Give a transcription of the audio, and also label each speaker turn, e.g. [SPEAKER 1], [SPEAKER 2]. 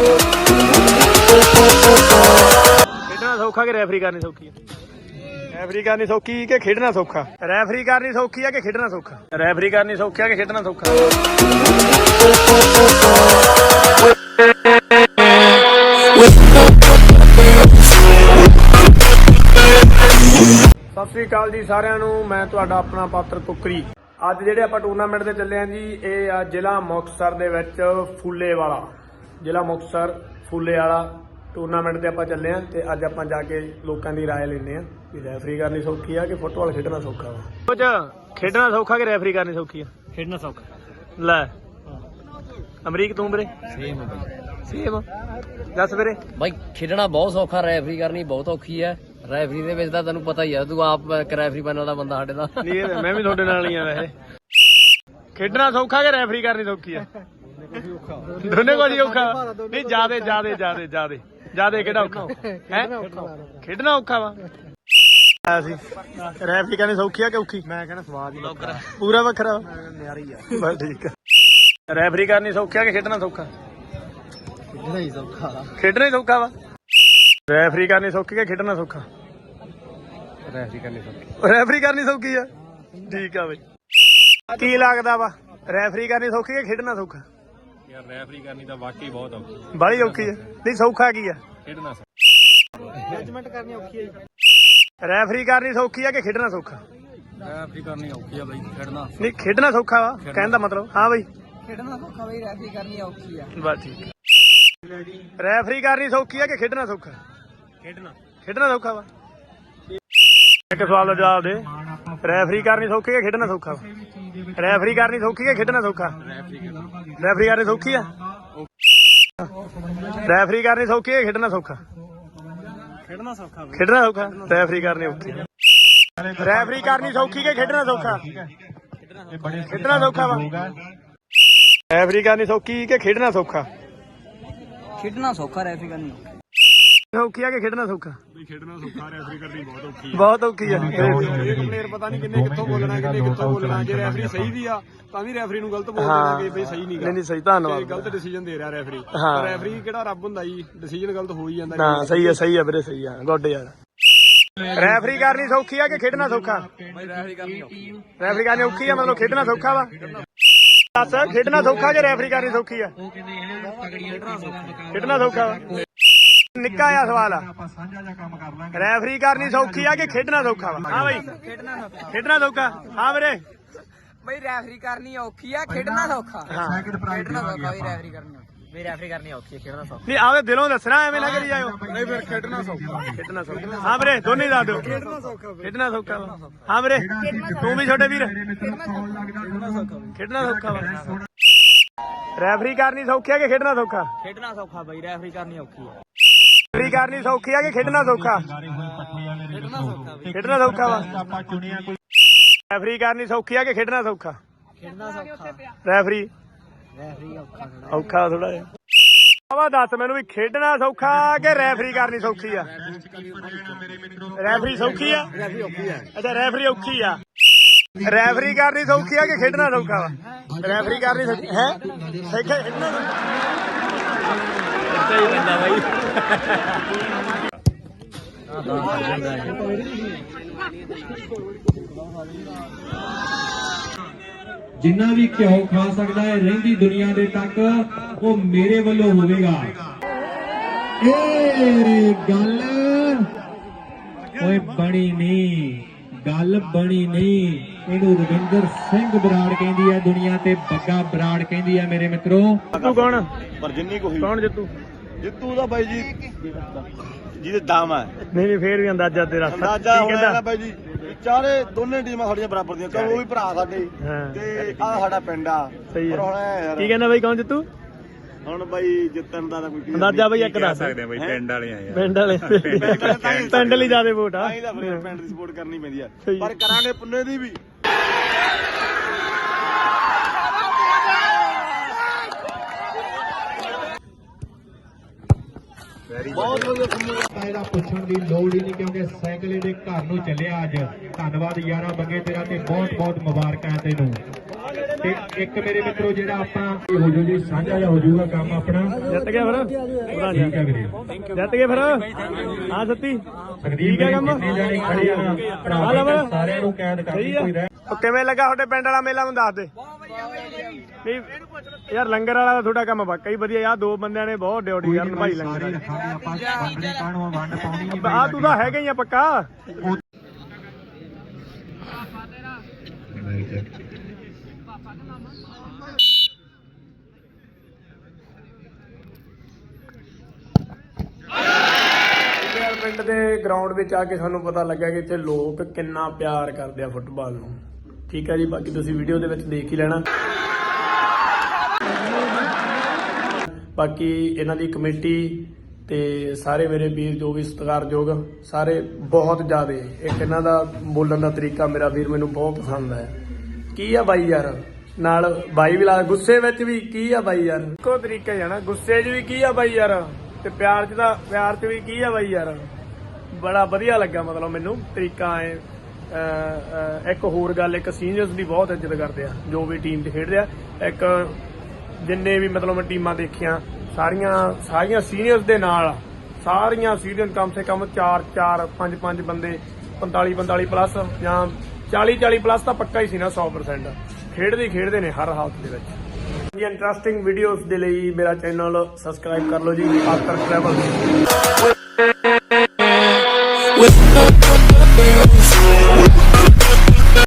[SPEAKER 1] खेडना सौखा कि रेफरी करनी सौखी है? रेफरी करनी सौखी कि खेडना सौखा? रेफरी करनी सौखी है कि खेडना सौखा? रेफरी करनी सौखी है कि खेडना सौखा? सत श्री अकाल जी सारिਆਂ ਨੂੰ मैं ਤੁਹਾਡਾ ਆਪਣਾ ਪਾਤਰ ਕੁਕਰੀ। ਅੱਜ ਜਿਹੜੇ ਆਪਾਂ ਟੂਰਨਾਮੈਂਟ ਤੇ ਚੱਲੇ ਆਂ ਜੀ ਇਹ ਆ ਜ਼ਿਲ੍ਹਾ ਮੁਕਤਸਰ ਦੇ ਵਿੱਚ ਫੂਲੇਵਾਲਾ, ਜ਼ਿਲ੍ਹਾ ਮੁਕਤਸਰ ਫੂਲੇਵਾਲਾ ਟੂਰਨਾਮੈਂਟ ਤੇ ਆਪਾਂ ਚੱਲੇ ਆਂ ਤੇ ਅੱਜ ਆਪਾਂ ਜਾ ਕੇ ਲੋਕਾਂ ਦੀ ਰਾਏ ਲੈਣੇ ਆ ਕਿ ਰੈਫਰੀ ਕਰਨੀ ਸੌਖੀ ਆ ਕਿ ਫੁੱਟਬਾਲ ਖੇਡਣਾ ਸੌਖਾ ਵਾ। ਕੁਝ ਖੇਡਣਾ ਸੌਖਾ ਕਿ ਰੈਫਰੀ ਕਰਨੀ ਸੌਖੀ ਆ? ਖੇਡਣਾ ਸੌਖਾ। ਲੈ ਅਮਰੀਕ ਤੂੰ ਵੀਰੇ? ਸੇਮ ਦੱਸ ਵੀਰੇ।
[SPEAKER 2] ਬਾਈ ਖੇਡਣਾ ਬਹੁਤ ਸੌਖਾ, ਰੈਫਰੀ ਕਰਨੀ ਬਹੁਤ ਔਖੀ ਹੈ। ਰੈਫਰੀ ਦੇ ਵਿੱਚ ਤਾਂ ਤੈਨੂੰ ਪਤਾ ਹੀ ਆ, ਤੂੰ ਆਪ ਰੈਫਰੀ ਬਣਨ ਵਾਲਾ ਬੰਦਾ ਸਾਡੇ ਦਾ।
[SPEAKER 1] ਮੈਂ ਵੀ ਤੁਹਾਡੇ ਨਾਲ ਹੀ ਆ। ਵੈਸੇ ਖੇਡਣਾ ਸੌਖਾ ਕਿ ਰੈਫਰੀ ਕਰਨੀ ਸੌਖੀ ਆ? ਦੋਨੇ ਕੁਝ ਔਖਾ। ਨਹੀਂ ਜਿਆਦੇ ਕਿਹੜਾ ਔਖਾ ਹੈ? ਖੇਡਣਾ ਔਖਾ ਵਾ। ਰੈਫਰੀ ਕਰਨੀ ਸੌਖੀ ਆ ਕਿ ਔਖੀ? ਮੈਂ ਕਹਿੰਦਾ ਸਵਾਦ ਹੀ ਪੂਰਾ ਵੱਖਰਾ ਨਿਆਰੀ ਆ। ਬਸ ਠੀਕ ਆ। ਰੈਫਰੀ ਕਰਨੀ ਸੌਖੀ ਆ ਕਿ ਖੇਡਣਾ ਸੌਖਾ? ਖੇਡਣਾ ਹੀ ਸੌਖਾ ਵਾ। ਰੈਫਰੀ ਕਰਨੀ ਸੌਖੀ ਕਿ ਖੇਡਣਾ ਸੌਖਾ? ਰੈਫਰੀ ਕਰਨੀ ਸੌਖੀ ਆ। ਠੀਕ ਆ ਬਈ। ਕੀ ਲੱਗਦਾ ਵਾ ਰੈਫਰੀ ਕਰਨੀ ਸੌਖੀ ਕਿ ਖੇਡਣਾ ਸੌਖਾ?
[SPEAKER 3] ਯਾਰ ਰੈਫਰੀ ਕਰਨੀ ਤਾਂ ਵਾਕਈ ਬਹੁਤ ਔਖੀ,
[SPEAKER 1] ਬੜੀ ਔਖੀ ਆ। ਨਹੀਂ ਸੌਖਾ ਕੀ ਆ?
[SPEAKER 3] ਖੇਡਣਾ
[SPEAKER 1] ਜੱਜਮੈਂਟ ਕਰਨੀ ਔਖੀ ਆ। ਰੈਫਰੀ ਕਰਨੀ ਸੌਖੀ ਆ ਕਿ ਖੇਡਣਾ ਸੌਖਾ?
[SPEAKER 3] ਰੈਫਰੀ ਕਰਨੀ ਔਖੀ ਆ ਬਾਈ, ਖੇਡਣਾ
[SPEAKER 1] ਨਹੀਂ ਖੇਡਣਾ ਸੌਖਾ ਵਾ ਕਹਿਣ ਦਾ ਮਤਲਬ। ਹਾਂ ਬਈ
[SPEAKER 2] ਖੇਡਣਾ ਸੌਖਾ ਬਈ, ਰੈਫਰੀ ਕਰਨੀ ਔਖੀ ਆ।
[SPEAKER 1] ਬਸ ਠੀਕ। ਰੈਫਰੀ ਕਰਨੀ ਸੌਖੀ ਆ ਕਿ ਖੇਡਣਾ ਸੌਖਾ? ਖੇਡਣਾ ਸੌਖਾ ਵਾ। ਇੱਕ ਸਵਾਲ ਦਾ ਜਵਾਬ ਦੇ। ਰੈਫਰੀ ਕਰਨੀ ਸੌਖੀ ਕਿ ਖੇਡਣਾ ਸੌਖਾ ਵਾ? ਰੈਫਰੀ ਕਰਨੀ ਸੌਖੀ ਕਿ ਖੇਡਣਾ ਸੌਖਾ? ਰੈਫਰੀ ਕਰਨੀ ਸੌਖੀ ਆ। ਰੈਫਰੀ ਕਰਨੀ ਸੌਖੀ ਕਿ ਖੇਡਣਾ ਸੌਖਾ? ਖੇਡਣਾ ਸੌਖਾ। ਰੈਫਰੀ ਕਰਨੀ ਔਖੀ। ਰੈਫਰੀ ਕਰਨੀ ਸੌਖੀ ਕਿ ਖੇਡਣਾ ਸੌਖਾ? ਖੇਡਣਾ ਸੌਖਾ ਵਾ। ਰੈਫਰੀ ਕਰਨੀ ਸੌਖੀ ਕਿ ਖੇਡਣਾ ਸੌਖਾ?
[SPEAKER 2] ਖੇਡਣਾ ਸੌਖਾ, ਰੈਫਰੀ ਕਰਨੀ
[SPEAKER 1] ਸੌਖੀ ਆ ਕਿ ਖੇਡਣਾ ਸੌਖਾ?
[SPEAKER 3] ਖੇਡਣਾ ਸੌਖਾ, ਰੈਫਰੀ ਕਰਨੀ ਬਹੁਤ ਔਖੀ
[SPEAKER 1] ਬਹੁਤ ਔਖੀ ਆ।
[SPEAKER 3] ਇਹ ਕੰਪਲੇਨ ਪਤਾ ਨਹੀਂ ਕਿੰਨੇ ਕਿੱਥੋਂ ਬੋਲਣਾ, ਕਿੰਨੇ ਕਿੱਥੋਂ ਬੋਲਣਾ। ਜੇ ਰੈਫਰੀ ਸਹੀ ਵੀ ਆ ਤਾਂ ਵੀ ਰੈਫਰੀ ਨੂੰ ਗਲਤ ਬੋਲ ਦੇਣਾ ਕਿ ਬਈ ਸਹੀ
[SPEAKER 1] ਨਹੀਂ ਸਹੀ। ਧੰਨਵਾਦ।
[SPEAKER 3] ਗਲਤ ਡਿਸੀਜਨ ਦੇ ਰਿਹਾ ਰੈਫਰੀ।
[SPEAKER 1] ਹਾਂ।
[SPEAKER 3] ਰੈਫਰੀ ਕਿਹੜਾ ਰੱਬ ਹੁੰਦਾ ਜੀ, ਡਿਸੀਜਨ ਗਲਤ ਹੋ ਹੀ ਜਾਂਦਾ।
[SPEAKER 1] ਨਾ ਸਹੀ ਆ ਵੀਰੇ, ਸਹੀ ਆ। ਗੁੱਡ ਯਾਰ। ਰੈਫਰੀ ਕਰਨੀ ਸੌਖੀ ਆ ਕਿ ਖੇਡਣਾ ਸੌਖਾ?
[SPEAKER 3] ਰੈਫਰੀ ਕਰਨੀ ਔਖੀ ਆ।
[SPEAKER 1] ਰੈਫਰੀ ਕਰਨੀ ਔਖੀ ਆ, ਮਤਲਬ ਖੇਡਣਾ ਸੌਖਾ ਵਾ। ਦੱਸ ਖੇਡਣਾ ਸੌਖਾ ਕਿ ਰੈਫਰੀ ਕਰਨੀ ਸੌਖੀ ਆ? ਖੇਡਣਾ ਸੌਖਾ ਵਾ। ਨਿੱਕਾ ਜਿਹਾ ਸਵਾਲ ਆ। ਰੈਫਰੀ ਕਰਨੀ ਸੌਖੀ ਆ ਕਿ ਖੇਡਣਾ ਸੌਖਾ ਵਾ? ਹਾਂ ਬਈ ਖੇਡਣਾ ਸੌਖਾ। ਹਾਂ ਵੀਰੇ
[SPEAKER 2] ਬਈ ਰੈਫਰੀ ਕਰਨੀ ਔਖੀ ਆ, ਖੇਡਣਾ ਸੌਖਾ।
[SPEAKER 1] ਹਾਂ
[SPEAKER 2] ਖੇਡਣਾ ਸੌਖਾ ਬਈ, ਰੈਫਰੀ ਕਰਨੀ ਔਖੀ। ਰੈਫਰੀ ਕਰਨੀ ਔਖੀ, ਖੇਡਣਾ ਸੌਖਾ।
[SPEAKER 1] ਨਹੀਂ ਆਵੇ ਦਿਲੋਂ ਦੱਸਣਾ, ਐਵੇਂ ਨਾ ਕਰੀ ਜਾਇਓ।
[SPEAKER 3] ਨਹੀਂ ਫਿਰ ਖੇਡਣਾ ਸੌਖਾ।
[SPEAKER 1] ਖੇਡਣਾ ਸੌਖਾ। ਹਾਂ ਵੀਰੇ ਦੋਨੇ ਦੱਸ ਦਿਓ। ਖੇਡਣਾ ਸੌਖਾ ਵਾ। ਹਾਂ ਵੀਰੇ ਤੂੰ ਵੀ ਛੋਟੇ ਵੀਰ? ਖੇਡਣਾ ਸੌਖਾ ਵਾ। ਰੈਫਰੀ ਕਰਨੀ ਸੌਖੀ ਆ ਕਿ ਖੇਡਣਾ ਸੌਖਾ?
[SPEAKER 2] ਖੇਡਣਾ ਸੌਖਾ ਬਈ, ਰੈਫਰੀ ਕਰਨੀ ਔਖੀ ਆ।
[SPEAKER 1] ਰੈਫਰੀ ਕਰਨੀ ਸੌਖੀ ਆ ਕਿ ਖੇਡਣਾ ਸੌਖਾ? ਖੇਡਣਾ ਸੌਖਾ ਵਾ। ਰੈਫਰੀ ਕਰਨੀ ਸੌਖੀ ਆ ਕਿ ਖੇਡਣਾ ਸੌਖਾ?
[SPEAKER 2] ਖੇਡਣਾ ਸੌਖਾ।
[SPEAKER 1] ਰੈਫਰੀ ਔਖਾ ਥੋੜਾ ਜਿਹਾ। ਆਵਾ ਦੱਸ ਮੈਨੂੰ ਵੀ ਖੇਡਣਾ ਸੌਖਾ ਕਿ ਰੈਫਰੀ ਕਰਨੀ ਸੌਖੀ ਆ? ਰੈਫਰੀ ਸੌਖੀ ਆ। ਅੱਛਾ ਰੈਫਰੀ ਔਖੀ ਆ। ਰੈਫਰੀ ਕਰਨੀ ਸੌਖੀ ਆ ਕਿ ਖੇਡਣਾ ਸੌਖਾ ਵਾ? ਰੈਫਰੀ ਕਰਨੀ ਸੌਖੀ ਹੈ। ਖੇਡਣਾ ਸਹੀ ਬੰਦਾ ਬਾਈ।
[SPEAKER 4] ਜਿੰਨਾ ਵੀ ਘਿਓ ਖਾ ਸਕਦਾ ਹੈ ਰਹਿੰਦੀ ਦੁਨੀਆ ਦੇ ਤੱਕ, ਉਹ ਮੇਰੇ ਵੱਲੋਂ ਹੋਵੇਗਾ। ਇਹ ਗੱਲ ਓਏ ਬਣੀ ਨਹੀਂ, ਗੱਲ ਬਣੀ ਨਹੀਂ। ਇਹਨੂੰ ਰਵਿੰਦਰ ਸਿੰਘ ਬਰਾੜ ਕਹਿੰਦੀ ਹੈ ਦੁਨੀਆ ਤੇ, ਬੱਗਾ ਬਰਾੜ ਕਹਿੰਦੀ ਹੈ ਮੇਰੇ ਮਿੱਤਰੋ।
[SPEAKER 1] ਤੂੰ ਕੌਣ?
[SPEAKER 3] ਪਰ ਜਿੰਨੀ ਕੋਈ
[SPEAKER 1] ਕੌਣ ਜਿੱਤੂ?
[SPEAKER 3] ਜਿੱਤੂ ਦਾ ਬਾਈ ਜੀ ਜਿਹਦੇ ਦਮ ਹੈ।
[SPEAKER 1] ਨਹੀਂ ਫੇਰ ਵੀ ਅੰਦਾਜ਼ਾ ਤੇਰਾ
[SPEAKER 3] ਅੰਦਾਜ਼ਾ
[SPEAKER 1] ਕੀ ਕਹਿੰਦਾ?
[SPEAKER 3] ਹੋਇਆ ਬਾਈ ਜੀ ਚਾਰੇ ਦੋਨੇ ਟੀਮਾਂ ਸਾਡੀਆਂ ਬਰਾਬਰ ਦੀਆਂ, ਉਹ ਵੀ ਭਰਾ ਸਾਡੇ
[SPEAKER 1] ਹਾਂ
[SPEAKER 3] ਤੇ ਆਹ ਸਾਡਾ ਪਿੰਡ ਆ।
[SPEAKER 1] ਸਹੀ
[SPEAKER 3] ਪਰ
[SPEAKER 1] ਆ।
[SPEAKER 3] ਹੁਣ ਇਹ ਯਾਰ
[SPEAKER 1] ਕੀ ਕਹਿੰਦਾ ਬਾਈ ਕੌਣ ਜਿੱਤੂ?
[SPEAKER 3] ਹੁਣ ਬਾਈ ਜਿੱਤਣ ਦਾ ਤਾਂ ਕੋਈ
[SPEAKER 1] ਅੰਦਾਜ਼ਾ ਬਾਈ ਇੱਕ ਦੱਸ।
[SPEAKER 3] ਸਕਦੇ ਆ ਬਾਈ, ਪਿੰਡ ਵਾਲੇ ਆ ਯਾਰ।
[SPEAKER 1] ਪਿੰਡ ਵਾਲੇ ਪਿੰਡ ਲਈ ਜ਼ਿਆਦਾ ਵੋਟ ਆ।
[SPEAKER 3] ਤਾਂ ਹੀ ਤਾਂ ਫਿਰ ਪਿੰਡ ਦੀ ਸਪੋਰਟ ਕਰਨੀ ਪੈਂਦੀ ਆ,
[SPEAKER 1] ਸਹੀ।
[SPEAKER 3] ਪਰ ਕਰਾਂਗੇ ਪੁੰਨੇ ਦੀ ਵੀ।
[SPEAKER 4] ਬਹੁਤ ਵਧੀਆ ਇਹਦਾ ਪੁੱਛਣ ਦੀ ਲੋੜ ਹੀ ਨਹੀਂ, ਕਿਉਂਕਿ ਸਾਈਕਲ ਇਹਦੇ ਘਰ ਨੂੰ ਚੱਲਿਆ ਅੱਜ। ਧੰਨਵਾਦ ਯਾਰਾ ਬੱਗੇ ਤੇਰਾ, ਤੇ ਬਹੁਤ ਬਹੁਤ ਮੁਬਾਰਕਾਂ ਤੈਨੂੰ। ਤੇ ਇੱਕ ਮੇਰੇ ਮਿੱਤਰੋ ਜਿਹੜਾ ਆਪਾਂ ਹੋ ਜੂ ਜੀ ਸਾਂਝਾ ਜਿਹਾ ਹੋ ਜਾਊਗਾ ਕੰਮ ਆਪਣਾ।
[SPEAKER 1] ਜਿੱਤ ਗਿਆ ਫਿਰ
[SPEAKER 4] ਠੀਕ ਹੈ ਵੀਰੇ।
[SPEAKER 1] ਜਿੱਤ ਗਏ ਫਿਰ ਹਾਂ ਸੱਤੀ
[SPEAKER 4] ਸੰਦੀਪ
[SPEAKER 1] ਹੈ ਕੰਮ।
[SPEAKER 4] ਜਿੰਨੇ ਜਾਣੇ ਖੜੇ ਆ ਭਰਾ ਬਈ ਸਾਰਿਆਂ ਨੂੰ ਕੈਦ ਕਰਨੀ ਕੋਈ ਰਹਿ।
[SPEAKER 1] ਉਹ ਕਿਵੇਂ ਲੱਗਾ ਤੁਹਾਡੇ ਪਿੰਡ ਵਾਲਾ ਮੇਲਾ ਮੈਨੂੰ ਦੱਸ ਦੇ। ਨਹੀਂ ਯਾਰ ਲੰਗਰ ਵਾਲਾ ਤਾਂ ਤੁਹਾਡਾ ਕੰਮ ਵਾਕਈ ਹੀ ਵਧੀਆ। ਆ ਦੋ ਬੰਦਿਆਂ ਨੇ ਬਹੁਤ ਡਿਊਟੀ ਯਾਰ ਨਿਭਾਈ ਲੰਗਰ ਵਾਲੀ।
[SPEAKER 4] ਆਪਾਂ ਵੰਡਣੇ ਕਾਹਨੂੰ ਵੰਡ ਪਾਉਣੀ ਨਹੀਂ
[SPEAKER 1] ਆ ਤੂੰ ਤਾਂ ਹੈਗਾ ਹੀ ਆ ਪੱਕਾ। ਪਿੰਡ ਦੇ ਗਰਾਊਂਡ ਵਿੱਚ ਆ ਕੇ ਸਾਨੂੰ ਪਤਾ ਲੱਗਾ ਕਿ ਇੱਥੇ ਲੋਕ ਕਿੰਨਾ ਪਿਆਰ ਕਰਦੇ ਆ ਫੁੱਟਬਾਲ ਨੂੰ। ਠੀਕ ਹੈ ਜੀ, ਬਾਕੀ ਤੁਸੀਂ ਵੀਡੀਓ ਦੇ ਵਿੱਚ ਦੇਖ ਹੀ ਲੈਣਾ। ਬਾਕੀ ਇਹਨਾਂ ਦੀ ਕਮੇਟੀ ਤੇ ਸਾਰੇ ਮੇਰੇ ਵੀਰ ਜੋ ਵੀ ਸਤਿਕਾਰਯੋਗ ਸਾਰੇ ਬਹੁਤ ਜ਼ਿਆਦਾ। ਇੱਕ ਇਹਨਾਂ ਦਾ ਬੋਲਣ ਦਾ ਤਰੀਕਾ ਮੇਰਾ ਵੀਰ ਮੈਨੂੰ ਬਹੁਤ ਪਸੰਦ ਹੈ। ਕੀ ਆ ਬਾਈ ਯਾਰ, ਨਾਲ ਬਾਈ ਵੀ ਲਾ ਗੁੱਸੇ ਵਿੱਚ ਵੀ ਕੀ ਆ ਬਾਈ ਯਾਰ, ਇੱਕੋ ਤਰੀਕਾ ਹੀ ਆ ਨਾ। ਗੁੱਸੇ 'ਚ ਵੀ ਕੀ ਆ ਬਾਈ ਯਾਰ ਤੇ ਪਿਆਰ 'ਚ ਵੀ ਕੀ ਆ ਬਾਈ ਯਾਰ। ਬੜਾ ਵਧੀਆ ਲੱਗਾ ਮਤਲਬ ਮੈਨੂੰ ਤਰੀਕਾ ਹੈ। ਇੱਕ ਹੋਰ ਗੱਲ, ਇੱਕ ਸੀਨੀਅਰਸ ਦੀ ਬਹੁਤ ਇੱਜ਼ਤ ਕਰਦੇ ਆ ਜੋ ਵੀ ਟੀਮ 'ਚ ਖੇਡਦੇ ਆ। ਇੱਕ ਜਿੰਨੇ ਵੀ ਮਤਲਬ ਮੈਂ ਟੀਮਾਂ ਦੇਖੀਆਂ ਸਾਰੀਆਂ ਸੀਨੀਅਰਸ ਦੇ ਨਾਲ, ਸਾਰੀਆਂ ਸੀਨੀਅਰ ਕਮ ਸੇ ਕਮ 4 5 ਬੰਦੇ 45 ਪਲੱਸ ਜਾਂ 40 ਪਲੱਸ ਤਾਂ ਪੱਕਾ ਹੀ ਸੀ ਨਾ 100%। ਖੇਡਦੇ ਨੇ ਹਰ ਹਾਲਤ ਦੇ ਵਿੱਚ। ਇੰਟਰਸਟਿੰਗ ਵੀਡੀਓਜ਼ ਦੇ ਲਈ ਮੇਰਾ ਚੈਨਲ ਸਬਸਕ੍ਰਾਈਬ ਕਰ ਲਓ ਜੀ, ਪਾਤਰ ਟਰੈਵਲ।